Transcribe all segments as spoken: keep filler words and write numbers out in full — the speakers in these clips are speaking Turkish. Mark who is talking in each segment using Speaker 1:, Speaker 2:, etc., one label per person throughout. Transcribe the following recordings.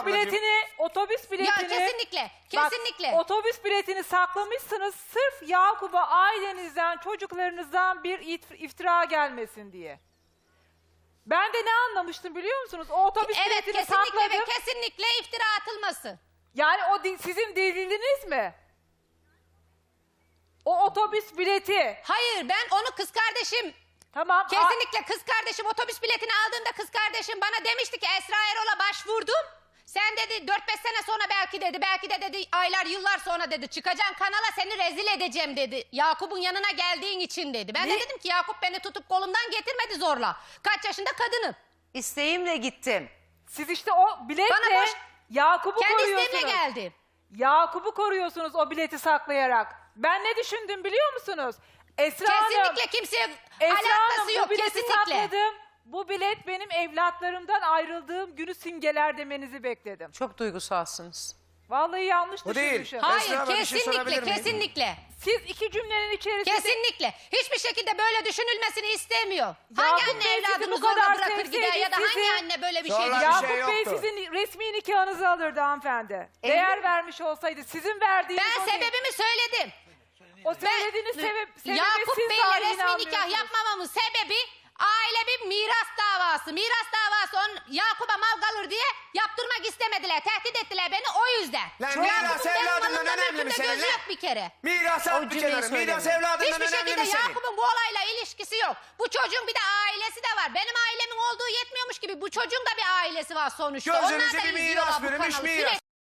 Speaker 1: ablacığım.
Speaker 2: biletini, otobüs biletini...
Speaker 3: Ya kesinlikle,
Speaker 2: Bak,
Speaker 3: kesinlikle.
Speaker 2: otobüs biletini saklamışsınız sırf Yakup'a ailenizden, çocuklarınızdan bir it- iftira gelmesin diye. Ben de ne anlamıştım biliyor musunuz? O otobüs
Speaker 3: Evet,
Speaker 2: biletini
Speaker 3: kesinlikle
Speaker 2: sakladım.
Speaker 3: ve kesinlikle iftira atılması.
Speaker 2: Yani o di- sizin deliliniz mi? O otobüs bileti.
Speaker 3: Hayır, ben onu kız kardeşim,
Speaker 2: Tamam. a-
Speaker 3: kesinlikle kız kardeşim otobüs biletini aldığında kız kardeşim bana demişti ki Esra Erol'a başvurdum. Sen dedi dört beş sene sonra belki dedi, belki de dedi aylar yıllar sonra dedi çıkacaksın kanala seni rezil edeceğim dedi. Yakup'un yanına geldiğin için dedi. Ben
Speaker 2: Ne?
Speaker 3: de dedim ki Yakup beni tutup kolumdan getirmedi zorla. Kaç yaşında kadınım.
Speaker 4: İsteğimle gittim.
Speaker 2: Siz işte o biletle
Speaker 3: Bana boş-
Speaker 2: Yakup'u
Speaker 3: Kendi
Speaker 2: koruyorsunuz.
Speaker 3: isteğimle geldi.
Speaker 2: Yakup'u koruyorsunuz o bileti saklayarak. Ben ne düşündüm biliyor musunuz? Esra Hanım,
Speaker 3: Kesinlikle kimseye
Speaker 2: Esra
Speaker 3: alakası
Speaker 2: Hanım,
Speaker 3: yok
Speaker 2: bu bileti
Speaker 3: kesinlikle.
Speaker 2: sakladım. Bu bilet benim evlatlarımdan ayrıldığım günü simgeler demenizi bekledim.
Speaker 4: Çok duygusalsınız.
Speaker 2: Vallahi yanlış
Speaker 1: Bu değil.
Speaker 2: düşünmüşüm.
Speaker 1: Esra
Speaker 3: Hayır
Speaker 1: Hanım, bir şey sorabilir
Speaker 3: kesinlikle
Speaker 1: miyim?
Speaker 3: kesinlikle.
Speaker 2: Siz iki cümlenin içerisinde...
Speaker 3: Kesinlikle. Hiçbir şekilde böyle düşünülmesini istemiyor.
Speaker 2: Yakup
Speaker 3: hangi
Speaker 2: Bey
Speaker 3: anne
Speaker 2: sizi
Speaker 3: evladını
Speaker 2: bu
Speaker 3: zorla
Speaker 2: kadar
Speaker 3: bırakır gider
Speaker 2: sevseydi
Speaker 3: ya da
Speaker 2: sizi-
Speaker 3: hangi anne böyle bir şey
Speaker 1: Zorla-
Speaker 3: diyor?
Speaker 1: bir
Speaker 2: Yakup
Speaker 1: şey
Speaker 2: Bey
Speaker 1: yoktu.
Speaker 2: sizin resmi nikahınızı alırdı hanımefendi. Değer vermiş olsaydı sizin verdiğiniz
Speaker 3: Ben
Speaker 2: o,
Speaker 3: sebebimi söyledim.
Speaker 2: o söylediğiniz sebep, sebebi
Speaker 3: Yakup
Speaker 2: siz
Speaker 3: Bey'le
Speaker 2: dahi
Speaker 3: resmi nikah
Speaker 2: inanmıyorsunuz.
Speaker 3: yapmamamın sebebi aile bir miras davası. Miras davası on Yakup'a mal kalır diye yaptırmak istemediler. Tehdit ettiler beni o yüzden.
Speaker 1: Lan
Speaker 3: Yakup'un
Speaker 1: miras
Speaker 3: benim
Speaker 1: evladından
Speaker 3: malımda,
Speaker 1: önemli mi
Speaker 3: mülkümde
Speaker 1: senin
Speaker 3: gözü
Speaker 1: lan?
Speaker 3: yok bir kere.
Speaker 1: Miras
Speaker 4: O
Speaker 1: at bir
Speaker 4: cümleyi
Speaker 1: kenara. Miras
Speaker 4: söyleme.
Speaker 1: evladından
Speaker 3: Hiçbir
Speaker 1: önemli
Speaker 3: şekilde
Speaker 1: mi senin?
Speaker 3: Yakup'un bu olayla ilişkisi yok. Bu çocuğun bir de ailesi de var. Benim ailemin olduğu yetmiyormuş gibi bu çocuğun da bir ailesi var sonuçta.
Speaker 1: Gözünüze
Speaker 3: Onlar da
Speaker 1: bir
Speaker 3: izliyorlar
Speaker 1: miras
Speaker 3: bu
Speaker 1: verilmiş,
Speaker 3: kanalı.
Speaker 1: miras.
Speaker 3: Sürekli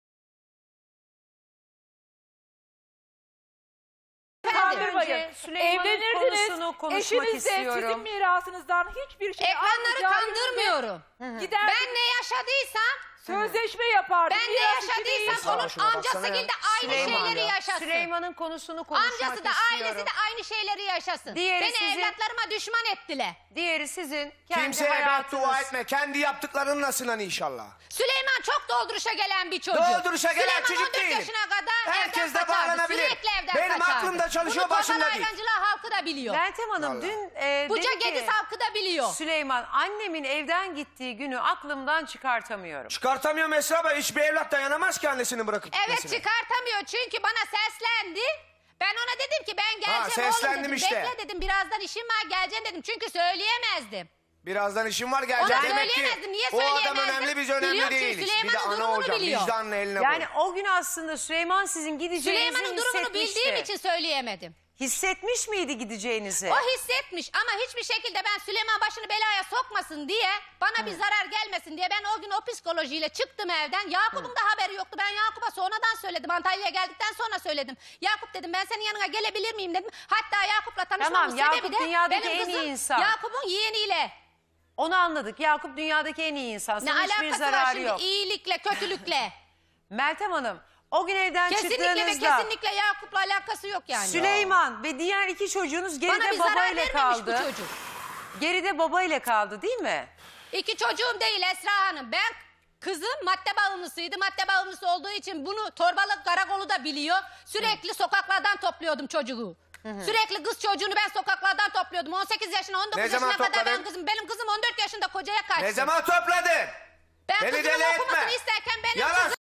Speaker 2: Kandırmayın.
Speaker 4: Önce Süleyman'ın
Speaker 2: Evlenirdiniz,
Speaker 4: konusunu konuşmak
Speaker 2: eşiniz de
Speaker 4: istiyorum.
Speaker 2: sizin mirasınızdan hiçbir şey
Speaker 3: ekranları
Speaker 2: almayacağı
Speaker 3: kandırmıyorum.
Speaker 2: Gider
Speaker 3: Ben ne yaşadıysam,
Speaker 2: sözleşme yapardı.
Speaker 3: ben ne
Speaker 2: miras için
Speaker 3: yaşadıysam
Speaker 2: değil.
Speaker 3: onun
Speaker 1: şuna baksana
Speaker 3: amcası
Speaker 1: ya.
Speaker 3: gibi de aynı
Speaker 4: Süleyman
Speaker 3: şeyleri
Speaker 4: ya.
Speaker 3: yaşasın.
Speaker 4: Süleyman'ın konusunu konuşmak
Speaker 3: Amcası da
Speaker 4: istiyorum.
Speaker 3: ailesi de aynı şeyleri yaşasın.
Speaker 4: Diğeri
Speaker 3: Beni
Speaker 4: sizin-
Speaker 3: evlatlarıma düşman ettiler.
Speaker 4: Diğeri sizin kendi
Speaker 1: Kimseye
Speaker 4: hayatınız.
Speaker 1: beddua etme. Kendi yaptıklarınla sınan inşallah.
Speaker 3: Süleyman çok dolduruşa gelen bir çocuk.
Speaker 1: Dolduruşa gelen
Speaker 3: Süleyman
Speaker 1: çocuk
Speaker 3: on dört
Speaker 1: değil.
Speaker 3: yaşına kadar
Speaker 1: Herkes
Speaker 3: evden
Speaker 1: de
Speaker 3: kaçardı.
Speaker 1: bağlanabilir.
Speaker 3: Sürekli evden
Speaker 1: Benim
Speaker 3: kaçardı.
Speaker 1: aklımda çalışıyor,
Speaker 3: Bunu
Speaker 1: başımda
Speaker 3: Torbalı
Speaker 1: değil.
Speaker 3: Ayrancılar halkı da biliyor.
Speaker 4: Meltem Hanım
Speaker 1: Vallahi.
Speaker 4: dün e,
Speaker 3: Buca
Speaker 4: dedi
Speaker 3: Gediz
Speaker 4: ki
Speaker 3: halkı da biliyor.
Speaker 4: Süleyman annemin evden gittiği günü aklımdan çıkartamıyorum.
Speaker 1: Çıkartamıyorum Esra Bey. Hiçbir evlat dayanamaz ki annesini bırakıp
Speaker 3: Evet
Speaker 1: gitmesine.
Speaker 3: çıkartamıyor çünkü bana seslendi. Ben ona dedim ki ben geleceğim oğlum
Speaker 1: seslendim
Speaker 3: dedim.
Speaker 1: işte.
Speaker 3: Bekle dedim birazdan işim var geleceğim dedim. Çünkü söyleyemezdim.
Speaker 1: Birazdan işim var
Speaker 3: Ona
Speaker 1: gelecek. Demek ki
Speaker 3: söyleyemezdim. Niye
Speaker 1: o adam
Speaker 3: söyleyemezdim?
Speaker 1: önemli biz önemli
Speaker 3: Biliyor çünkü
Speaker 1: değiliz. Bir de
Speaker 3: Süleyman'ın
Speaker 1: ana
Speaker 3: durumunu
Speaker 1: hocam
Speaker 3: biliyor.
Speaker 1: vicdanın eline
Speaker 4: Yani
Speaker 1: koy.
Speaker 4: o gün aslında Süleyman sizin gideceğinizi
Speaker 3: Süleyman'ın durumunu
Speaker 4: hissetmişti.
Speaker 3: bildiğim için söyleyemedim.
Speaker 4: Hissetmiş miydi gideceğinizi?
Speaker 3: O hissetmiş ama hiçbir şekilde ben Süleyman başını belaya sokmasın diye bana bir zarar gelmesin diye ben o gün o psikolojiyle çıktım evden. Yakup'un da haberi yoktu. Ben Yakup'a sonradan söyledim. Antalya'ya geldikten sonra söyledim. Yakup dedim ben senin yanına gelebilir miyim dedim. Hatta Yakup'la tanışmamın
Speaker 4: Tamam,
Speaker 3: sebebi
Speaker 4: Yakup
Speaker 3: de
Speaker 4: dünyadaki
Speaker 3: benim
Speaker 4: en iyi
Speaker 3: kızım
Speaker 4: insan.
Speaker 3: Yakup'un yeğeniyle.
Speaker 4: Onu anladık. Yakup dünyadaki en iyi insan.
Speaker 3: Ne
Speaker 4: Sana hiçbir
Speaker 3: alakası var
Speaker 4: zararı
Speaker 3: şimdi
Speaker 4: yok.
Speaker 3: iyilikle kötülükle.
Speaker 4: Meltem Hanım o gün evden
Speaker 3: Kesinlikle ve
Speaker 4: çıktığınızda
Speaker 3: kesinlikle Yakup'la alakası yok yani.
Speaker 4: Süleyman ve diğer iki çocuğunuz
Speaker 3: Bana
Speaker 4: geride
Speaker 3: bir zarar
Speaker 4: babayla
Speaker 3: vermemiş
Speaker 4: kaldı.
Speaker 3: bu çocuk.
Speaker 4: Geride babayla kaldı değil mi?
Speaker 3: İki çocuğum değil Esra Hanım. Ben kızım madde bağımlısıydı. Madde bağımlısı olduğu için bunu Torbalık Karakolu da biliyor. Sürekli sokaklardan topluyordum çocuğu. Sürekli kız çocuğunu ben sokaklardan topluyordum. on sekiz yaşına on dokuz
Speaker 1: Ne zaman
Speaker 3: yaşına kadar ben
Speaker 1: topladın?
Speaker 3: kızım. Benim kızım on dört yaşında kocaya kaçtı.
Speaker 1: Ne zaman topladın?
Speaker 3: Ben
Speaker 1: Beni
Speaker 3: kızımın
Speaker 1: deli etme.
Speaker 3: okumasını isterken benim
Speaker 1: Yalan.
Speaker 3: kızım...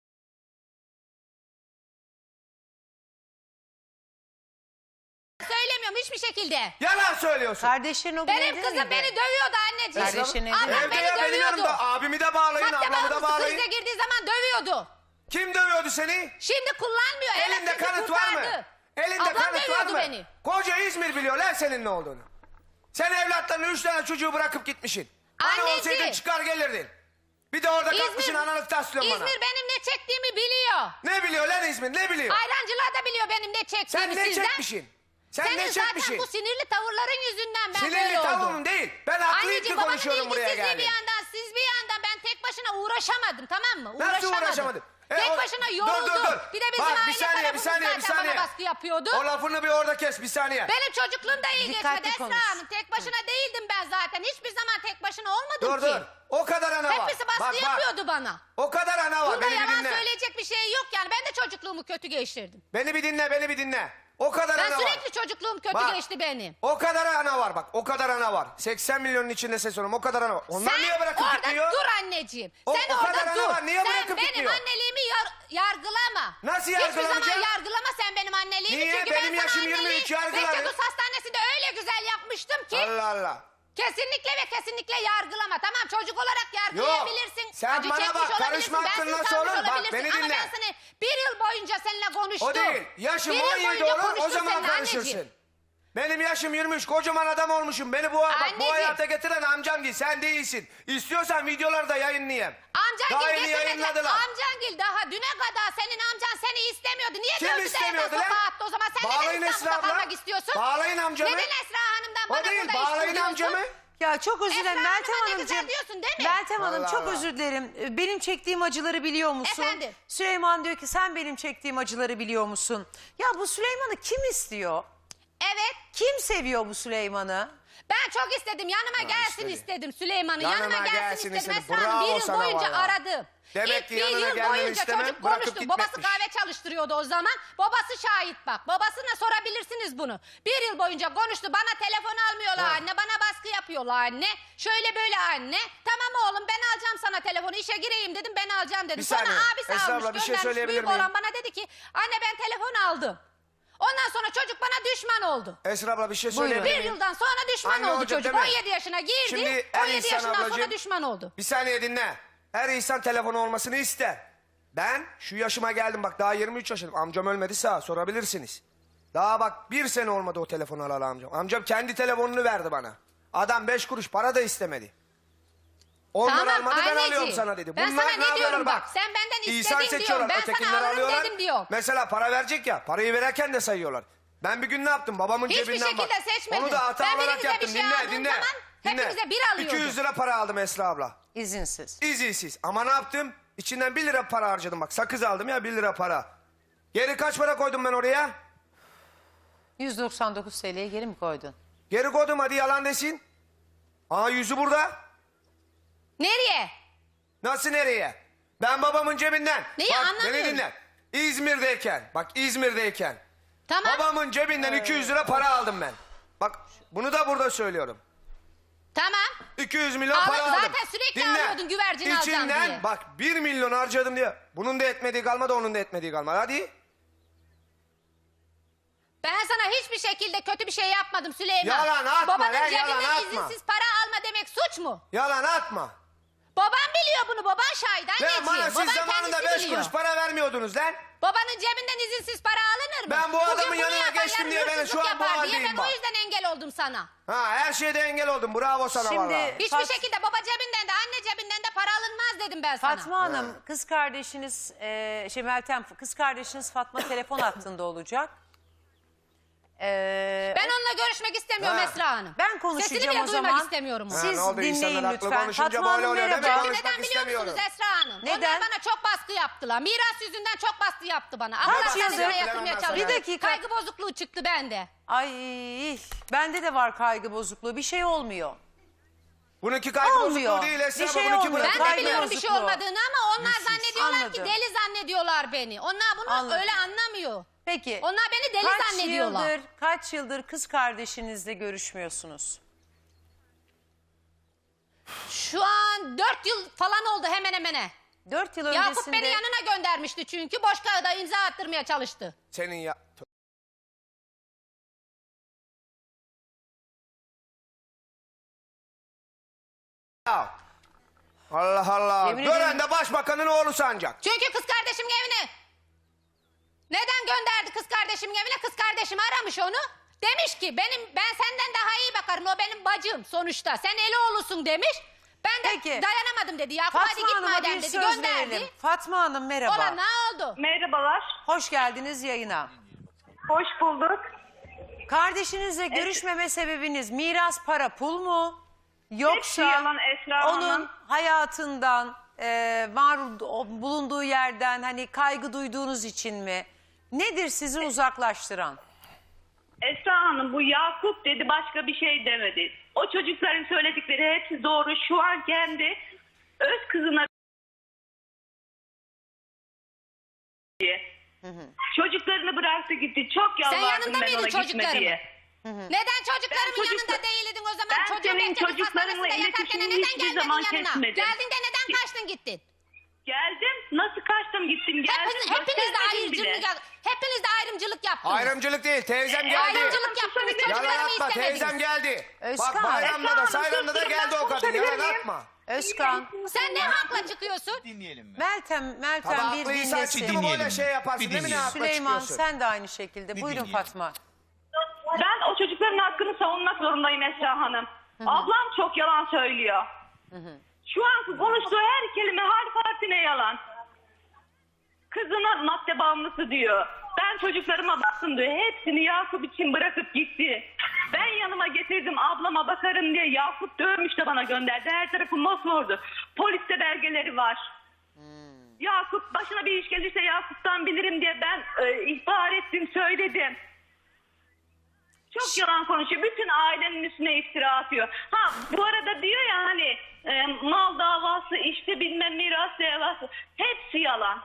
Speaker 3: Söylemiyorum hiçbir şekilde.
Speaker 1: Yalan söylüyorsun.
Speaker 4: Kardeşlerin o gün
Speaker 3: Benim
Speaker 4: evde
Speaker 3: kızım
Speaker 4: miydi?
Speaker 3: beni dövüyordu anneciğim.
Speaker 4: Kardeşin evde
Speaker 3: Ablam
Speaker 4: mi?
Speaker 1: Evde
Speaker 3: beni
Speaker 1: ya benim
Speaker 3: dövüyordu.
Speaker 1: yanımda. Abimi de bağlayın,
Speaker 3: Madde
Speaker 1: ablamı da
Speaker 3: bağımlısı
Speaker 1: bağlayın.
Speaker 3: krize girdiği zaman dövüyordu.
Speaker 1: Kim dövüyordu seni?
Speaker 3: Şimdi kullanmıyor.
Speaker 1: Elinde
Speaker 3: Elektriği
Speaker 1: kanıt var mı?
Speaker 3: kurtardı.
Speaker 1: Elinde
Speaker 3: Ablam
Speaker 1: kanıt var
Speaker 3: dövüyordu
Speaker 1: mı?
Speaker 3: beni.
Speaker 1: Koca İzmir biliyor lan senin ne olduğunu. Sen evlatlarını üç tane çocuğu bırakıp gitmişsin. Hani
Speaker 3: Anneciğim.
Speaker 1: olsaydın çıkar gelirdin. Bir de orada kalkmışsın analık taslıyorsun bana.
Speaker 3: İzmir benim ne çektiğimi biliyor.
Speaker 1: Ne biliyor lan İzmir ne biliyor?
Speaker 3: Ayrancılar da biliyor benim ne çektiğimi
Speaker 1: Sen ne
Speaker 3: sizden.
Speaker 1: çekmişsin? Sen
Speaker 3: Senin
Speaker 1: ne
Speaker 3: zaten
Speaker 1: çekmişsin?
Speaker 3: bu sinirli tavırların yüzünden ben böyle
Speaker 1: Sinirli
Speaker 3: oldum.
Speaker 1: tavuğum değil. Ben haklıyım ki
Speaker 3: Anneciğim babanın
Speaker 1: konuşuyorum buraya
Speaker 3: ilgisizliği bir
Speaker 1: geldim.
Speaker 3: yandan siz bir yandan ben tek başına uğraşamadım tamam mı?
Speaker 1: Nasıl
Speaker 3: Uğraşamadım.
Speaker 1: uğraşamadın? E,
Speaker 3: Tek
Speaker 1: o-
Speaker 3: başına
Speaker 1: Dur,
Speaker 3: yoruldum.
Speaker 1: dur, dur.
Speaker 3: Bir de bizim
Speaker 1: Bak, bir
Speaker 3: aile
Speaker 1: saniye, bir
Speaker 3: tarafımız
Speaker 1: saniye, bir
Speaker 3: zaten
Speaker 1: saniye.
Speaker 3: bana baskı yapıyordu.
Speaker 1: O lafını bir orada kes bir saniye.
Speaker 3: Benim çocukluğum da iyi
Speaker 4: Dikkatli
Speaker 3: geçmedi
Speaker 4: konuş.
Speaker 3: Esra Hanım. Tek başına değildim ben zaten. Hiçbir zaman tek başına olmadım
Speaker 1: Dur
Speaker 3: ki.
Speaker 1: dur. O kadar ana var.
Speaker 3: Hepsi baskı
Speaker 1: Bak, bak.
Speaker 3: yapıyordu bana.
Speaker 1: O kadar ana var.
Speaker 3: Burada
Speaker 1: Beni bir
Speaker 3: yalan
Speaker 1: dinle.
Speaker 3: söyleyecek bir şey yok yani. Ben de çocukluğumu kötü geçirdim.
Speaker 1: Beni bir dinle, beni bir dinle. O kadar
Speaker 3: Ben
Speaker 1: ana var.
Speaker 3: sürekli çocukluğum kötü
Speaker 1: Bak,
Speaker 3: geçti benim.
Speaker 1: O kadar ana var bak. O kadar ana var. seksen milyonun içinde ses olurum. O kadar ana var. Onlar
Speaker 3: Sen
Speaker 1: niye bırakıp
Speaker 3: orada
Speaker 1: gitmiyor?
Speaker 3: dur anneciğim.
Speaker 1: O-
Speaker 3: Sen
Speaker 1: o
Speaker 3: orada
Speaker 1: kadar ana
Speaker 3: dur.
Speaker 1: var, niye
Speaker 3: Sen
Speaker 1: bırakıp
Speaker 3: benim
Speaker 1: gitmiyor? Nasıl
Speaker 3: Hiçbir zaman
Speaker 1: yargılamayacağım?
Speaker 3: yargılama sen benim anneliğimi.
Speaker 1: Niye?
Speaker 3: Çünkü
Speaker 1: Benim
Speaker 3: ben sana
Speaker 1: yaşım yirmi
Speaker 3: anneliği
Speaker 1: üç, yargılarım.
Speaker 3: Reçetus Hastanesi'nde öyle güzel yapmıştım ki.
Speaker 1: Allah Allah.
Speaker 3: Kesinlikle ve kesinlikle yargılama. Tamam, çocuk olarak
Speaker 1: Yok.
Speaker 3: yargılayabilirsin.
Speaker 1: Sen
Speaker 3: acı
Speaker 1: bana
Speaker 3: çekmiş
Speaker 1: bak, karışma
Speaker 3: olabilirsin,
Speaker 1: hakkın
Speaker 3: bensiz
Speaker 1: nasıl
Speaker 3: kalmış
Speaker 1: olur? Bak,
Speaker 3: olabilirsin.
Speaker 1: beni
Speaker 3: Ama
Speaker 1: dinle.
Speaker 3: ben seni bir yıl boyunca seninle konuştum.
Speaker 1: O değil. Yaşım
Speaker 3: Bir yıl
Speaker 1: on yedi
Speaker 3: boyunca
Speaker 1: olur, o
Speaker 3: konuştum
Speaker 1: zaman
Speaker 3: seninle
Speaker 1: karışırsın.
Speaker 3: anneciğim.
Speaker 1: Benim yaşım yirmi üç, kocaman adam olmuşum. Beni bu, bak, bu
Speaker 3: Anneciğim.
Speaker 1: hayata getiren amcam değil, sen değilsin. İstiyorsan videoları da yayınlayayım. Daha
Speaker 3: Amcangil
Speaker 1: yeni
Speaker 3: getirmedi.
Speaker 1: yayınladılar.
Speaker 3: Amcangil daha düne kadar senin amcan seni istemiyordu. Niye
Speaker 1: Kim
Speaker 3: dövdü de
Speaker 1: istemiyordu
Speaker 3: eve
Speaker 1: lan?
Speaker 3: sokağa attı o zaman? Sen
Speaker 1: Bağlayın
Speaker 3: neden
Speaker 1: Esra
Speaker 3: İstanbul'da
Speaker 1: abla.
Speaker 3: kalmak istiyorsun?
Speaker 1: Bağlayın amcamı.
Speaker 3: Neden Esra Hanım'dan bana
Speaker 1: O değil,
Speaker 3: burada iş
Speaker 1: bağlayın
Speaker 3: buluyorsun?
Speaker 1: amcamı.
Speaker 4: Ya çok özür dilerim
Speaker 3: Esra
Speaker 4: Meltem
Speaker 3: Hanım'a ne
Speaker 4: Hanımcığım.
Speaker 3: güzel diyorsun değil mi?
Speaker 4: Meltem Hanım
Speaker 1: Allah
Speaker 4: çok
Speaker 1: Allah.
Speaker 4: özür dilerim. Ee, Benim çektiğim acıları biliyor musun?
Speaker 3: Efendim?
Speaker 4: Süleyman diyor ki sen benim çektiğim acıları biliyor musun? Ya bu Süleyman'ı kim istiyor?
Speaker 3: Evet.
Speaker 4: Kim seviyor bu Süleyman'ı?
Speaker 3: Ben çok istedim. Yanıma gelsin
Speaker 1: istedi.
Speaker 3: istedim Süleyman'ı.
Speaker 1: Yanıma
Speaker 3: Yanıma gelsin,
Speaker 1: gelsin
Speaker 3: istedim.
Speaker 1: istedi.
Speaker 3: Esra Hanım
Speaker 1: Bravo
Speaker 3: bir yıl
Speaker 1: sana
Speaker 3: boyunca
Speaker 1: vallahi.
Speaker 3: aradı.
Speaker 1: Demek
Speaker 3: İlk
Speaker 1: ki
Speaker 3: bir
Speaker 1: yanına
Speaker 3: yıl
Speaker 1: gelmeni
Speaker 3: boyunca
Speaker 1: istemem,
Speaker 3: çocuk
Speaker 1: bırakıp
Speaker 3: konuştu. Babası
Speaker 1: gitmekmiş.
Speaker 3: kahve çalıştırıyordu o zaman. Babası şahit bak. Babasına sorabilirsiniz bunu. Bir yıl boyunca konuştu. Bana telefon almıyorlar
Speaker 1: Ha.
Speaker 3: anne. Bana baskı yapıyorlar anne. Şöyle böyle anne. Tamam oğlum ben alacağım sana telefonu. İşe gireyim dedim, ben alacağım dedim.
Speaker 1: Bir
Speaker 3: Sonra
Speaker 1: saniye.
Speaker 3: abisi
Speaker 1: Esra
Speaker 3: almış
Speaker 1: abla, bir şey
Speaker 3: göndermiş.
Speaker 1: söyleyebilir
Speaker 3: Büyük
Speaker 1: miyim?
Speaker 3: olan bana dedi ki anne ben telefon aldım. Ondan sonra çocuk bana düşman oldu.
Speaker 1: Esra abla bir şey
Speaker 4: Buyurun.
Speaker 1: söyleyebilir
Speaker 3: Bir
Speaker 1: miyim?
Speaker 3: yıldan sonra düşman
Speaker 1: Anne
Speaker 3: oldu
Speaker 1: olacak
Speaker 3: çocuk.
Speaker 1: değil mi?
Speaker 3: on yedi yaşına girdi.
Speaker 1: Şimdi her
Speaker 3: on yedi
Speaker 1: insan
Speaker 3: yaşından sonra
Speaker 1: ablacığım-
Speaker 3: düşman oldu.
Speaker 1: Bir saniye dinle. Her insan telefonu olmasını ister. Ben şu yaşıma geldim, bak daha yirmi üç yaşındayım. Amcam ölmedi, sağ sorabilirsiniz. Daha bak bir sene olmadı o telefonu alalı amcam. Amcam kendi telefonunu verdi bana. Adam beş kuruş para da istemedi. Ondan
Speaker 3: Tamam,
Speaker 1: almadı, ben
Speaker 3: anneciğim.
Speaker 1: alıyorum sana dedi.
Speaker 3: Ben
Speaker 1: Bunlar
Speaker 3: sana ne
Speaker 1: yapıyorlar
Speaker 3: diyorum bak, sen benden istedin
Speaker 1: İnsan
Speaker 3: diyorum,
Speaker 1: seçiyorlar,
Speaker 3: ben sana
Speaker 1: ötekileri
Speaker 3: alırım
Speaker 1: alıyorlar.
Speaker 3: dedim diyorum.
Speaker 1: Mesela para verecek ya, parayı verirken de sayıyorlar. Ben bir gün ne yaptım? Babamın
Speaker 3: Hiçbir
Speaker 1: cebinden bak.
Speaker 3: şekilde seçmedim.
Speaker 1: Onu da hata
Speaker 3: Ben
Speaker 1: olarak
Speaker 3: birinize bir
Speaker 1: yaptım.
Speaker 3: şey
Speaker 1: dinle,
Speaker 3: aldığım
Speaker 1: dinle.
Speaker 3: zaman
Speaker 1: dinle.
Speaker 3: hepimize bir alıyordum.
Speaker 1: iki yüz lira para aldım Esra abla.
Speaker 4: İzinsiz.
Speaker 1: İzinsiz. Ama ne yaptım? İçinden bir lira para harcadım bak. Sakız aldım ya, bir lira para. Geri kaç para koydum ben oraya?
Speaker 4: yüz doksan dokuz TL'ye geri mi koydun?
Speaker 1: Geri koydum, hadi yalan desin. Aa, yüzü burada.
Speaker 3: Nereye?
Speaker 1: Nasıl nereye? Ben babamın cebinden.
Speaker 3: Neyi
Speaker 1: bak, beni
Speaker 3: anlamıyorum.
Speaker 1: dinle. İzmir'deyken. Bak İzmir'deyken.
Speaker 3: Tamam.
Speaker 1: Babamın cebinden iki yüz lira para aldım ben. Bak bunu da burada söylüyorum.
Speaker 3: Tamam.
Speaker 1: iki yüz milyon
Speaker 3: Ama
Speaker 1: para aldım.
Speaker 3: zaten sürekli alıyordun güvercin alacağım
Speaker 1: İçinden
Speaker 3: diye.
Speaker 1: bak bir milyon harcadım diye. Bunun da etmediği kalmadı, onun da etmediği kalmadı. Hadi.
Speaker 3: Ben sana hiçbir şekilde kötü bir şey yapmadım Süleyman.
Speaker 1: Yalan atma
Speaker 3: Babanın
Speaker 1: lan,
Speaker 3: cebinden
Speaker 1: yalan atma.
Speaker 3: izinsiz para alma demek suç mu?
Speaker 1: Yalan atma.
Speaker 3: Baban biliyor bunu, baban şahit anneciğim.
Speaker 1: Lan bana siz
Speaker 3: Baban
Speaker 1: zamanında
Speaker 3: kendisi
Speaker 1: beş
Speaker 3: biliyor.
Speaker 1: kuruş para vermiyordunuz lan.
Speaker 3: Babanın cebinden izinsiz para alınır mı?
Speaker 1: Ben bu
Speaker 3: Bugün
Speaker 1: adamın
Speaker 3: bunu
Speaker 1: yanına
Speaker 3: yapan
Speaker 1: geçtim
Speaker 3: yarın
Speaker 1: diye ben
Speaker 3: hırsızlık
Speaker 1: şu an bu
Speaker 3: yapar diye
Speaker 1: haldeyim
Speaker 3: ben
Speaker 1: bak.
Speaker 3: o yüzden engel oldum sana.
Speaker 1: Ha, her şeyde engel oldum. Bravo sana
Speaker 4: Şimdi-
Speaker 1: vallahi.
Speaker 3: Hiçbir
Speaker 4: Fat-
Speaker 3: şekilde baba cebinden de anne cebinden de para alınmaz dedim ben sana.
Speaker 4: Fatma Hanım, kız kardeşiniz, e, şey Meltem, kız kardeşiniz Fatma telefon hattında olacak. Ee,
Speaker 3: Ben onunla görüşmek istemiyorum
Speaker 1: Ha.
Speaker 3: Esra Hanım.
Speaker 4: Ben konuşacağım
Speaker 3: Sesini bile
Speaker 4: o
Speaker 3: duymak
Speaker 4: zaman.
Speaker 3: istemiyorum onu.
Speaker 1: Ha,
Speaker 4: Siz
Speaker 1: ne oldu?
Speaker 4: dinleyin
Speaker 1: İnsanlar haklı
Speaker 4: lütfen.
Speaker 1: konuşunca
Speaker 4: Fatma
Speaker 1: böyle
Speaker 4: Hanım
Speaker 1: oluyor, değil mi?
Speaker 4: merhaba.
Speaker 1: Konuş-
Speaker 3: Çünkü neden
Speaker 1: konuşmak
Speaker 3: biliyor musunuz
Speaker 1: istemiyorum.
Speaker 3: Esra Hanım?
Speaker 4: Neden?
Speaker 3: Onlar bana çok baskı yaptılar. Miras yüzünden çok baskı yaptı bana. Allah
Speaker 4: yıldır-
Speaker 3: hastanesine yatırmaya
Speaker 1: Bir
Speaker 3: çalıştı.
Speaker 4: dakika.
Speaker 3: Kaygı bozukluğu çıktı bende.
Speaker 4: Ay, bende de var kaygı bozukluğu. Bir şey olmuyor.
Speaker 1: Bununki kaygı
Speaker 4: Olmuyor.
Speaker 1: bozukluğu değil Esra.
Speaker 4: Bir şey
Speaker 1: bununki
Speaker 4: olmuyor.
Speaker 1: bırak.
Speaker 3: Ben de
Speaker 4: Kaygı
Speaker 3: biliyorum bir şey
Speaker 4: bozukluğu.
Speaker 3: olmadığını ama onlar zannediyorlar
Speaker 4: Anladım.
Speaker 3: ki deli zannediyorlar beni. Onlar bunu
Speaker 4: Anladım.
Speaker 3: öyle anlamıyor.
Speaker 4: Peki.
Speaker 3: Onlar beni deli
Speaker 4: kaç
Speaker 3: zannediyorlar.
Speaker 4: Yıldır, kaç yıldır kız kardeşinizle görüşmüyorsunuz?
Speaker 3: Şu an dört yıl falan oldu hemen hemene.
Speaker 4: Dört yıl
Speaker 3: Yakup
Speaker 4: öncesinde...
Speaker 3: beni yanına göndermişti çünkü boş kağıda imza attırmaya çalıştı.
Speaker 1: Senin ya... Ya. Allah Allah.
Speaker 4: Yemin
Speaker 1: Gören
Speaker 4: ederim-
Speaker 1: de başbakanın oğlu sancak.
Speaker 3: Çünkü kız kardeşimin evine. Neden gönderdi kız kardeşimin evine? Kız kardeşim aramış onu. Demiş ki benim ben senden daha iyi bakarım. O benim bacım sonuçta. Sen eli oğlusun demiş. Ben de
Speaker 4: Peki.
Speaker 3: dayanamadım dedi. Yakup hadi
Speaker 4: Fatma
Speaker 3: git
Speaker 4: Hanım'a
Speaker 3: madem
Speaker 4: bir
Speaker 3: dedi.
Speaker 4: söz
Speaker 3: Gönderdi.
Speaker 4: verelim. Fatma Hanım merhaba.
Speaker 3: Olan ne oldu?
Speaker 5: Merhabalar,
Speaker 4: Hoş geldiniz yayına.
Speaker 5: hoş bulduk.
Speaker 4: Kardeşinizle görüşmeme sebebiniz miras, para, pul mu?
Speaker 5: Hepsi
Speaker 4: Yoksa
Speaker 5: yalan Esra
Speaker 4: onun
Speaker 5: Hanım.
Speaker 4: hayatından, e, var o- bulunduğu yerden hani kaygı duyduğunuz için mi? Nedir sizi uzaklaştıran?
Speaker 5: Esra Hanım bu Yakup dedi, başka bir şey demedi. O çocukların söyledikleri hepsi doğru. Şu an kendi öz kızına diye. Çocuklarını bıraktı gitti. Çok
Speaker 3: Sen
Speaker 5: yalvardım
Speaker 3: yanında
Speaker 5: ben
Speaker 3: mıydın
Speaker 5: ona gitme
Speaker 3: çocuklarımın?
Speaker 5: diye.
Speaker 3: Neden çocuklarımın
Speaker 5: Ben çocuk-
Speaker 3: yanında değildin o zaman?
Speaker 5: Ben
Speaker 3: Çocuğu
Speaker 5: senin
Speaker 3: bekledin
Speaker 5: çocuklarınla
Speaker 3: hastanesinde yatarken
Speaker 5: iletişimini
Speaker 3: neden
Speaker 5: hiçbir
Speaker 3: gelmedin
Speaker 5: zaman
Speaker 3: yanına?
Speaker 5: kesmedim.
Speaker 3: Geldin de neden kaçtın gittin?
Speaker 5: Geldim. Nasıl kaçtım bıraktım gittim geldim.
Speaker 3: Hepiniz, hepiniz de
Speaker 5: göstermedim bile.
Speaker 3: ayrımcılık yap- Hepiniz de ayrımcılık yaptınız.
Speaker 1: Ayrımcılık değil, teyzem geldi.
Speaker 3: Ayrımcılık yaptınız.
Speaker 1: Yalan
Speaker 3: Çocuklarımı
Speaker 1: atma,
Speaker 3: istemediniz.
Speaker 1: teyzem geldi.
Speaker 4: Özkan.
Speaker 1: Bak bayramda da
Speaker 5: Esra Hanım,
Speaker 1: sayramda da
Speaker 5: sus,
Speaker 1: geldi o kadın.
Speaker 5: konuşabilir
Speaker 1: Yalan
Speaker 5: miyim?
Speaker 1: atma.
Speaker 4: Özkan,
Speaker 3: Sen ne hakla çıkıyorsun?
Speaker 6: Dinleyelim mi?
Speaker 4: Meltem, Meltem
Speaker 1: Tabii
Speaker 4: bir
Speaker 1: haklıysan
Speaker 4: dinlesin.
Speaker 1: çıktı mı böyle
Speaker 6: Dinleyelim.
Speaker 1: şey yaparsın
Speaker 6: Bir
Speaker 1: değil mi? Ne
Speaker 6: dinleyelim.
Speaker 1: hakla
Speaker 4: Süleyman
Speaker 1: çıkıyorsun?
Speaker 4: sen de aynı şekilde.
Speaker 6: Bir
Speaker 4: Buyurun
Speaker 6: dinleyelim.
Speaker 4: Fatma.
Speaker 5: Ben o çocukların hakkını savunmak zorundayım Esra Hanım. Ablam çok yalan söylüyor. Şu an konuştuğu her kelime harf harfine yalan. Kızına madde bağımlısı diyor. Ben çocuklarıma baktım diyor. Hepsini Yakup için bırakıp gitti. Ben yanıma getirdim ablama bakarım diye. Yakup dövmüş de bana gönderdi. Her tarafı mosmordu. Poliste belgeleri var. Yakup başına bir iş gelirse Yakup'tan bilirim diye ben e, ihbar ettim söyledim. Çok yalan konuşuyor. Bütün ailenin üstüne iftira atıyor. Ha bu arada diyor ya hani e, mal davası işte bilmem miras davası. Hepsi yalan.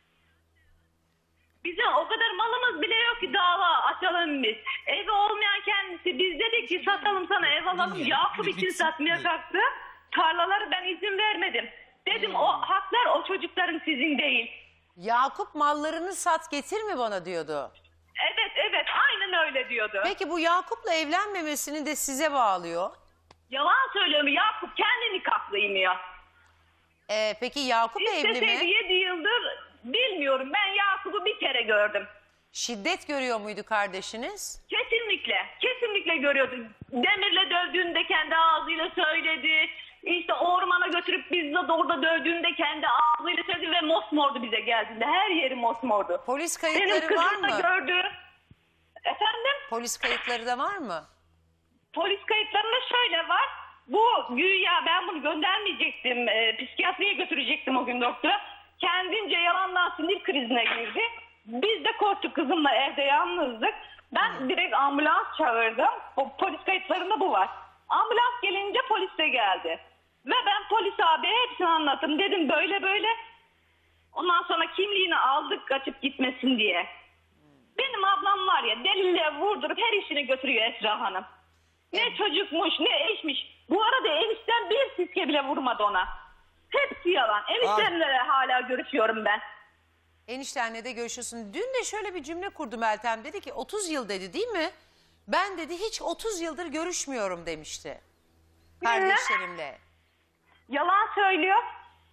Speaker 5: Bizim o kadar malımız bile yok ki dava açalım biz. Evi olmayan kendisi biz dedik ki satalım sana ev alalım.
Speaker 6: Dinleyelim.
Speaker 5: Yakup
Speaker 6: Bir
Speaker 5: için
Speaker 6: bitsin.
Speaker 5: satmaya
Speaker 6: Evet.
Speaker 5: kalktı. Tarlaları ben izin vermedim. Dedim o haklar o çocukların sizin değil.
Speaker 4: Yakup mallarını sat getir mi bana diyordu.
Speaker 5: Evet evet aynen öyle diyordu.
Speaker 4: Peki bu Yakup'la evlenmemesini de size bağlıyor.
Speaker 5: Yalan söylüyorum Yakup kendi nikahlıyım.
Speaker 4: Ee, peki Yakup evli
Speaker 5: İsteseydi
Speaker 4: mi?
Speaker 5: yedi yıldır bilmiyorum. Ben Yakup'u bir kere gördüm.
Speaker 4: Şiddet görüyor muydu kardeşiniz?
Speaker 5: Kesinlikle. Kesinlikle görüyordu. Demirle dövdüğünde kendi ağzıyla söyledi. İşte ormana götürüp bizle de orada dövdüğünde kendi ağzıyla söyledi ve mosmordu bize geldiğinde. Her yeri mosmordu.
Speaker 4: Polis
Speaker 5: Benim
Speaker 4: kayıtları var
Speaker 5: kızım da
Speaker 4: mı?
Speaker 5: gördü. Efendim?
Speaker 4: Polis kayıtları da var mı?
Speaker 5: Polis kayıtlarında şöyle var. Bu güya ben bunu göndermeyecektim. E, psikiyatriye götürecektim o gün doktora. Kendince yalandan sinir krizine girdi. Biz de korktuk kızımla evde yalnızdık. Ben direkt ambulans çağırdım. O polis kayıtlarında bu var. Ambulans gelince polis de geldi. Ve ben polis abiye hepsini anlattım. Dedim böyle böyle. Ondan sonra kimliğini aldık kaçıp gitmesin diye. Benim ablam var ya delille vurdurup her işini götürüyor Esra Hanım. Ne çocukmuş ne eşmiş. Bu arada enişten bir siske bile vurmadı ona. Hepsi yalan. Eniştemle de hala görüşüyorum ben.
Speaker 4: Eniştenle de görüşüyorsun. Dün de şöyle bir cümle kurdu Meltem. Dedi ki otuz yıl dedi değil mi? Ben dedi hiç otuz yıldır görüşmüyorum demişti. Kardeşlerimle.
Speaker 5: Yalan söylüyor.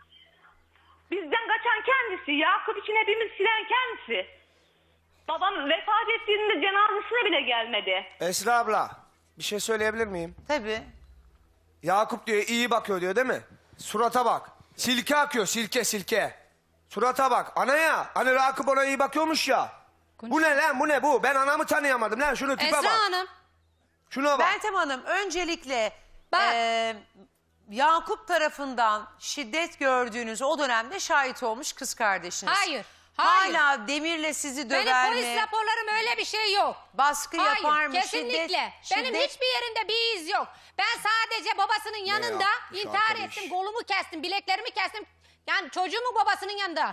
Speaker 5: Bizden kaçan kendisi. Yakup için hepimiz silen kendisi. Babam vefat ettiğinde cenazesine bile gelmedi.
Speaker 1: Esra abla bir şey söyleyebilir miyim?
Speaker 4: Tabii.
Speaker 1: Yakup diyor iyi bakıyor diyor değil mi? Surata bak. Silke akıyor silke silke. Surata bak. Anaya. Hani Yakup ona iyi bakıyormuş ya. Bu ne lan bu ne bu? Ben anamı tanıyamadım lan şunu tipe
Speaker 3: Esra
Speaker 1: bak.
Speaker 3: Hanım.
Speaker 1: Şuna bak.
Speaker 4: Meltem Hanım öncelikle
Speaker 3: Bak.
Speaker 4: eee, Yakup tarafından şiddet gördüğünüz o dönemde şahit olmuş kız kardeşiniz.
Speaker 3: Hayır, hayır.
Speaker 4: Hala Demir'le sizi döver
Speaker 3: Benim polis
Speaker 4: mi?
Speaker 3: raporlarım öyle bir şey yok.
Speaker 4: Baskı
Speaker 3: Hayır,
Speaker 4: yapar mı?
Speaker 3: kesinlikle.
Speaker 4: Şiddet,
Speaker 3: Benim
Speaker 4: şiddet-
Speaker 3: hiçbir yerinde bir iz yok. Ben sadece babasının yanında
Speaker 1: yapmış
Speaker 3: intihar
Speaker 1: arkadaş?
Speaker 3: ettim, kolumu kestim, bileklerimi kestim. Yani çocuğumun babasının yanında.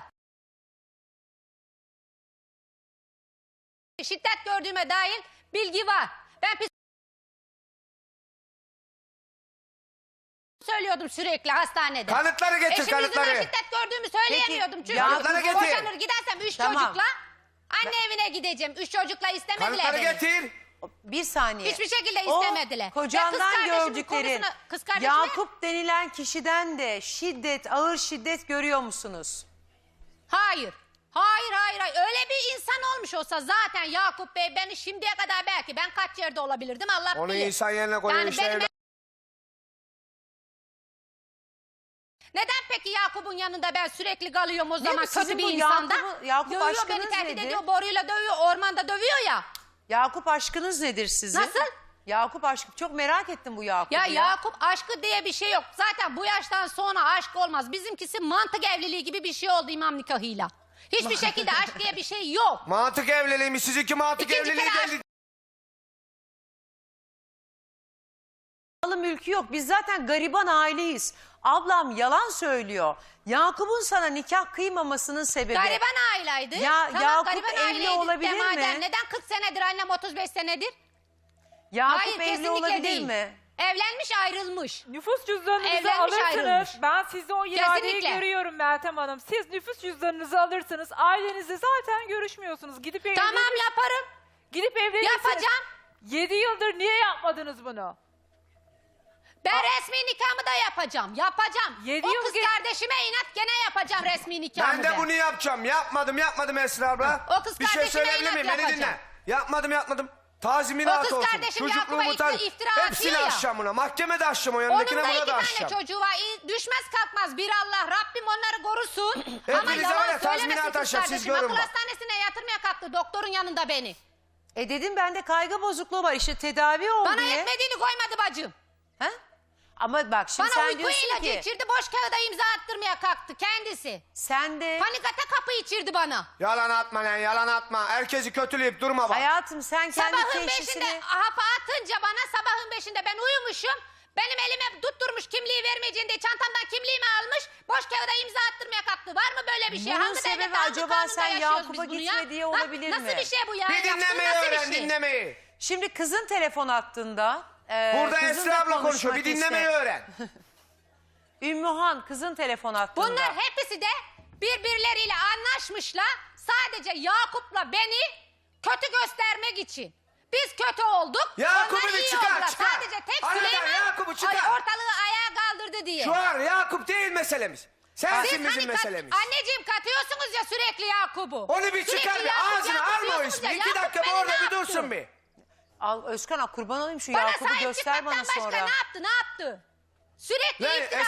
Speaker 3: Şiddet gördüğüme dair bilgi var. Ben pis söylüyordum sürekli hastanede.
Speaker 1: Kanıtları getir,
Speaker 3: Eşim yüzünden
Speaker 1: kanıtları.
Speaker 3: şiddet gördüğümü söyleyemiyordum. Çünkü
Speaker 1: Kanıtları getir.
Speaker 3: boşanır gidersem üç
Speaker 4: Tamam.
Speaker 3: çocukla anne evine gideceğim. Üç çocukla istemediler
Speaker 1: Kanıtları
Speaker 3: beni.
Speaker 1: getir.
Speaker 4: Bir saniye.
Speaker 3: Hiçbir şekilde
Speaker 4: O
Speaker 3: istemediler. Ve kız
Speaker 4: kocandan
Speaker 3: kardeşimin
Speaker 4: gördüklerin
Speaker 3: konusuna- kız kardeşime-
Speaker 4: Yakup denilen kişiden de şiddet, ağır şiddet görüyor musunuz?
Speaker 3: Hayır. Hayır hayır hayır. Öyle bir insan olmuş olsa zaten Yakup Bey beni şimdiye kadar belki ben kaç yerde olabilirdim Allah
Speaker 1: Onu
Speaker 3: bilir.
Speaker 1: insan yerine koyuyor
Speaker 3: Yani
Speaker 1: işte.
Speaker 3: benim-
Speaker 1: evlat.
Speaker 3: Neden peki Yakup'un yanında ben sürekli kalıyorum o zaman
Speaker 4: mi? Sizin
Speaker 3: kötü bir
Speaker 4: bu
Speaker 3: insanda?
Speaker 4: Yakup'u- Yakup
Speaker 3: Dövüyor beni
Speaker 4: aşkınız
Speaker 3: tehdit
Speaker 4: nedir?
Speaker 3: ediyor boruyla dövüyor ormanda dövüyor ya.
Speaker 4: Yakup aşkınız nedir sizin?
Speaker 3: Nasıl?
Speaker 4: Yakup aşkı. Çok merak ettim bu Yakup'u
Speaker 3: Ya
Speaker 4: ya.
Speaker 3: Yakup aşkı diye bir şey yok. Zaten bu yaştan sonra aşk olmaz. Bizimkisi mantık evliliği gibi bir şey oldu imam nikahıyla. Hiçbir şekilde aşk diye bir şey yok.
Speaker 1: Mantık evliliği mi? Sizinki mantık
Speaker 3: İkinci
Speaker 1: evliliği
Speaker 3: kere
Speaker 1: değil.
Speaker 4: Malı mülkü yok. Biz zaten gariban aileyiz. Ablam yalan söylüyor. Yakup'un sana nikah kıymamasının sebebi...
Speaker 3: Gariban aileydi.
Speaker 4: Ya
Speaker 3: tamam,
Speaker 4: Yakup
Speaker 3: gariban
Speaker 4: evli
Speaker 3: aileydi
Speaker 4: olabilir
Speaker 3: de madem.
Speaker 4: mi?
Speaker 3: Neden kırk senedir annem otuz beş senedir?
Speaker 4: Yakup
Speaker 3: Hayır,
Speaker 4: evli
Speaker 3: kesinlikle
Speaker 4: olabilir
Speaker 3: değil.
Speaker 4: mi?
Speaker 3: Evlenmiş ayrılmış.
Speaker 2: Nüfus cüzdanınızı
Speaker 3: Evlenmiş,
Speaker 2: alırsınız.
Speaker 3: ayrılmış.
Speaker 2: Ben sizde o iradeyi
Speaker 3: Kesinlikle.
Speaker 2: görüyorum Meltem Hanım. Siz nüfus cüzdanınızı alırsınız. Ailenizle zaten görüşmüyorsunuz. Gidip evlenir,
Speaker 3: Tamam yaparım.
Speaker 2: gidip evlenirsiniz.
Speaker 3: Yapacağım.
Speaker 2: Yedi yıldır niye yapmadınız bunu?
Speaker 3: Ben resmi nikahımı da yapacağım. Yapacağım.
Speaker 2: Yedi
Speaker 3: o
Speaker 2: yıl
Speaker 3: kız
Speaker 2: ge-
Speaker 3: kardeşime inat gene yapacağım resmi nikahımı.
Speaker 1: Ben de bunu yapacağım. Yapmadım yapmadım Esra abla.
Speaker 3: O kız
Speaker 1: Bir şey
Speaker 3: kardeşime
Speaker 1: söyleyebilir
Speaker 3: inat
Speaker 1: miyim? Beni
Speaker 3: yapacağım.
Speaker 1: dinle. Yapmadım yapmadım. Tazminat
Speaker 3: O kız
Speaker 1: olsun.
Speaker 3: kardeşim
Speaker 1: Çocukluğumu
Speaker 3: Yakup'a
Speaker 1: taz-
Speaker 3: iftira- iftira atıyor
Speaker 1: Hepsini
Speaker 3: ya.
Speaker 1: aşacağım buna. Mahkemede aşacağım o
Speaker 3: Onun
Speaker 1: yanındakine
Speaker 3: da
Speaker 1: buna
Speaker 3: iki
Speaker 1: da
Speaker 3: tane
Speaker 1: aşacağım.
Speaker 3: çocuğu var. İyi, düşmez kalkmaz bir Allah. Rabbim onları korusun. Ama
Speaker 1: Hepinize
Speaker 3: yalan
Speaker 1: var ya, tazminat
Speaker 3: söylemesin kız
Speaker 1: aşağı, siz
Speaker 3: kardeşim.
Speaker 1: görün
Speaker 3: Akıl
Speaker 1: bak.
Speaker 3: hastanesine yatırmaya kalktı doktorun yanında beni.
Speaker 4: E dedim bende kaygı bozukluğu var işte tedavi ol
Speaker 3: Bana
Speaker 4: diye.
Speaker 3: yetmediğini koymadı bacım.
Speaker 4: Ha? Ama bak şimdi
Speaker 3: Bana
Speaker 4: sen
Speaker 3: uyku
Speaker 4: diyorsun
Speaker 3: ilacı
Speaker 4: ki
Speaker 3: içirdi, boş kağıda imza attırmaya kalktı kendisi.
Speaker 4: sen de
Speaker 3: Panik atak kapı içirdi bana.
Speaker 1: Yalan atma lan yalan atma. Herkesi kötüleyip durma bak.
Speaker 4: hayatım sen kendi
Speaker 3: Sabahın
Speaker 4: teşhisini...
Speaker 3: beşinde hapı atınca bana sabahın beşinde ben uyumuşum. Benim elime tutturmuş kimliği vermeyeceğini diye çantamdan kimliğimi almış. Boş kağıda imza attırmaya kalktı. Var mı böyle bir şey?
Speaker 4: Bunun
Speaker 3: Hangi
Speaker 4: sebebi
Speaker 3: devlette, hangi
Speaker 4: acaba
Speaker 3: kanunda
Speaker 4: sen
Speaker 3: yaşıyoruz
Speaker 4: Yakup'a
Speaker 3: biz bunu
Speaker 4: gitme
Speaker 3: ya?
Speaker 4: diye
Speaker 3: Ha,
Speaker 4: olabilir
Speaker 3: nasıl
Speaker 4: mi?
Speaker 3: bir şey bu ya?
Speaker 1: Bir
Speaker 3: Yaptığın
Speaker 1: dinlemeyi
Speaker 3: nasıl bir
Speaker 1: öğren
Speaker 3: şey?
Speaker 1: dinlemeyi.
Speaker 4: Şimdi kızın telefon attığında... e,
Speaker 1: Burada
Speaker 4: kızın da
Speaker 1: Esra abla konuşuyor.
Speaker 4: konuşmak
Speaker 1: Bir dinlemeyi
Speaker 4: iste-
Speaker 1: öğren.
Speaker 4: Ümmühan kızın telefon attığında...
Speaker 3: Bunlar hepsi de birbirleriyle anlaşmışlar. Sadece Yakup'la beni kötü göstermek için. Biz kötü olduk.
Speaker 1: Yakup'u
Speaker 3: onlar
Speaker 1: bir
Speaker 3: iyi
Speaker 1: çıkar,
Speaker 3: oldular.
Speaker 1: çıkar.
Speaker 3: Sadece tek
Speaker 1: Aradan
Speaker 3: Süleyman
Speaker 1: Yakup'u çıkar.
Speaker 3: ay- ortalığı ayağa kaldırdı diye.
Speaker 1: Şu an Yakup değil meselemiz. Sensin
Speaker 3: Siz
Speaker 1: bizim
Speaker 3: hani kat-
Speaker 1: meselemiz.
Speaker 3: anneciğim katıyorsunuz ya sürekli Yakup'u.
Speaker 1: Onu bir
Speaker 3: Sürekli
Speaker 1: çıkar bir
Speaker 3: Yakup,
Speaker 1: ağzına
Speaker 3: Yakup
Speaker 1: alma o
Speaker 3: diyorsunuz
Speaker 1: ismi.
Speaker 3: ya.
Speaker 1: İki
Speaker 3: Yakup
Speaker 1: dakika bir
Speaker 3: beni
Speaker 1: orada
Speaker 3: ne
Speaker 1: bir
Speaker 3: yaptı?
Speaker 1: dursun bir.
Speaker 4: Al Özkan al, kurban olayım şu
Speaker 3: Bana
Speaker 4: Yakup'u
Speaker 3: sahip
Speaker 4: göster
Speaker 3: çıkmaktan
Speaker 4: bana
Speaker 3: başka
Speaker 4: sonra.
Speaker 3: ne yaptı ne yaptı? Sürekli
Speaker 1: Lan
Speaker 3: iftira.
Speaker 1: es-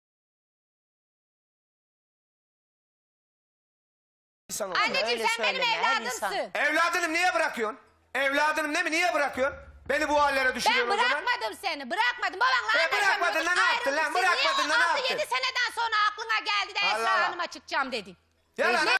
Speaker 1: İnsan olsun.
Speaker 3: Anneciğim
Speaker 4: Öyle
Speaker 3: sen benim
Speaker 4: söyleme, her insan.
Speaker 3: evladımsın.
Speaker 1: Evladınım niye bırakıyorsun? Evladınım ne mi niye bırakıyorsun? Beni bu hallere
Speaker 3: Ben
Speaker 1: düşürüyorsun o zaman.
Speaker 3: bırakmadım seni, bırakmadım. Babanla
Speaker 1: E, bırakmadın da ne yaptın lan? Bırakmadın da ne
Speaker 3: altı
Speaker 1: yaptın?
Speaker 3: yedi seneden sonra aklına geldi de
Speaker 1: Allah
Speaker 3: Esra
Speaker 1: Allah.
Speaker 3: Hanım'a çıkacağım dedin.
Speaker 1: Yalan.
Speaker 3: Ne-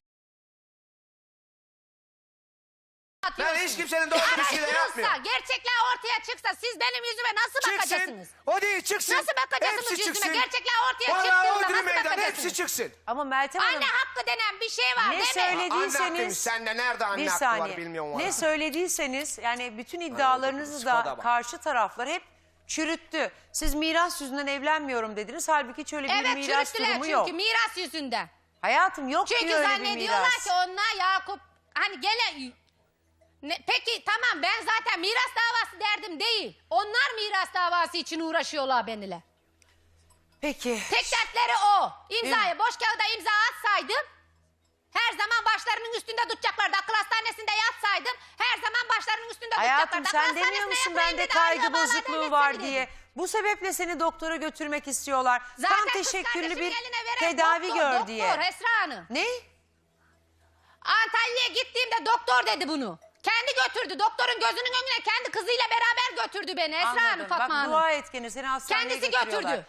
Speaker 1: Ben
Speaker 3: Atıyorsun.
Speaker 1: hiç kimsenin doğru bir şeyle
Speaker 3: Araştırılsa,
Speaker 1: yapmıyorum.
Speaker 3: gerçekler ortaya çıksa siz benim yüzüme nasıl
Speaker 1: Çıksın.
Speaker 3: bakacaksınız?
Speaker 1: O değil çıksın.
Speaker 3: Nasıl bakacaksınız
Speaker 1: Hepsi
Speaker 3: yüzüme?
Speaker 1: çıksın.
Speaker 3: Gerçekler ortaya
Speaker 1: Vallahi
Speaker 3: çıktığında
Speaker 1: Odri
Speaker 3: nasıl
Speaker 1: meydan
Speaker 3: bakacaksınız?
Speaker 1: hepsi çıksın.
Speaker 4: Ama Meltem Hanım
Speaker 3: Anne hakkı denen bir şey var
Speaker 4: ne
Speaker 3: değil mi?
Speaker 4: söylediyseniz...
Speaker 1: Anne hakkıymış. Sende nerede anne
Speaker 4: Bir
Speaker 1: hakkı
Speaker 4: saniye.
Speaker 1: var bilmiyorum valla.
Speaker 4: Ne söylediyseniz yani bütün iddialarınızı
Speaker 1: Skoda
Speaker 4: da
Speaker 1: bak.
Speaker 4: karşı taraflar hep çürüttü. Siz miras yüzünden evlenmiyorum dediniz. Halbuki hiç öyle bir
Speaker 3: Evet
Speaker 4: miras
Speaker 3: çürüttüler
Speaker 4: durumu
Speaker 3: çünkü
Speaker 4: yok.
Speaker 3: miras yüzünden.
Speaker 4: Hayatım yok
Speaker 3: Çünkü
Speaker 4: diyor öyle bir
Speaker 3: zannediyorlar
Speaker 4: miras.
Speaker 3: ki onlar Yakup hani gele... Ne, peki tamam ben zaten miras davası derdim değil. Onlar miras davası için uğraşıyorlar benimle.
Speaker 4: Peki.
Speaker 3: Tek dertleri o. İmzayı boş kağıda imza atsaydım her zaman başlarının üstünde tutacaklardı. Akıl hastanesinde yatsaydım her zaman başlarının üstünde
Speaker 4: Hayatım
Speaker 3: tutacaklardı.
Speaker 4: sen
Speaker 3: Akıl
Speaker 4: demiyor
Speaker 3: hastanesine
Speaker 4: musun
Speaker 3: yatırayım
Speaker 4: bende
Speaker 3: dedi,
Speaker 4: kaygı
Speaker 3: ayrıca bağlar
Speaker 4: bozukluğu
Speaker 3: devlet
Speaker 4: var
Speaker 3: seni
Speaker 4: diye.
Speaker 3: dedi.
Speaker 4: Bu sebeple seni doktora götürmek istiyorlar.
Speaker 3: Zaten
Speaker 4: Tam
Speaker 3: kız
Speaker 4: teşekküllü
Speaker 3: kardeşimin
Speaker 4: bir
Speaker 3: eline veren
Speaker 4: tedavi
Speaker 3: doktor,
Speaker 4: gör
Speaker 3: doktor,
Speaker 4: diye.
Speaker 3: Esra Hanım.
Speaker 4: Ne?
Speaker 3: Antalya'ya gittiğimde doktor dedi bunu. Kendi götürdü. Doktorun gözünün önüne kendi kızıyla beraber götürdü beni Esra Hanım,
Speaker 4: Anladım.
Speaker 3: Fatma
Speaker 4: Bak
Speaker 3: Hanım.
Speaker 4: dua et gene seni hastaneye
Speaker 3: Kendisi
Speaker 4: götürüyorlar.
Speaker 3: götürdü.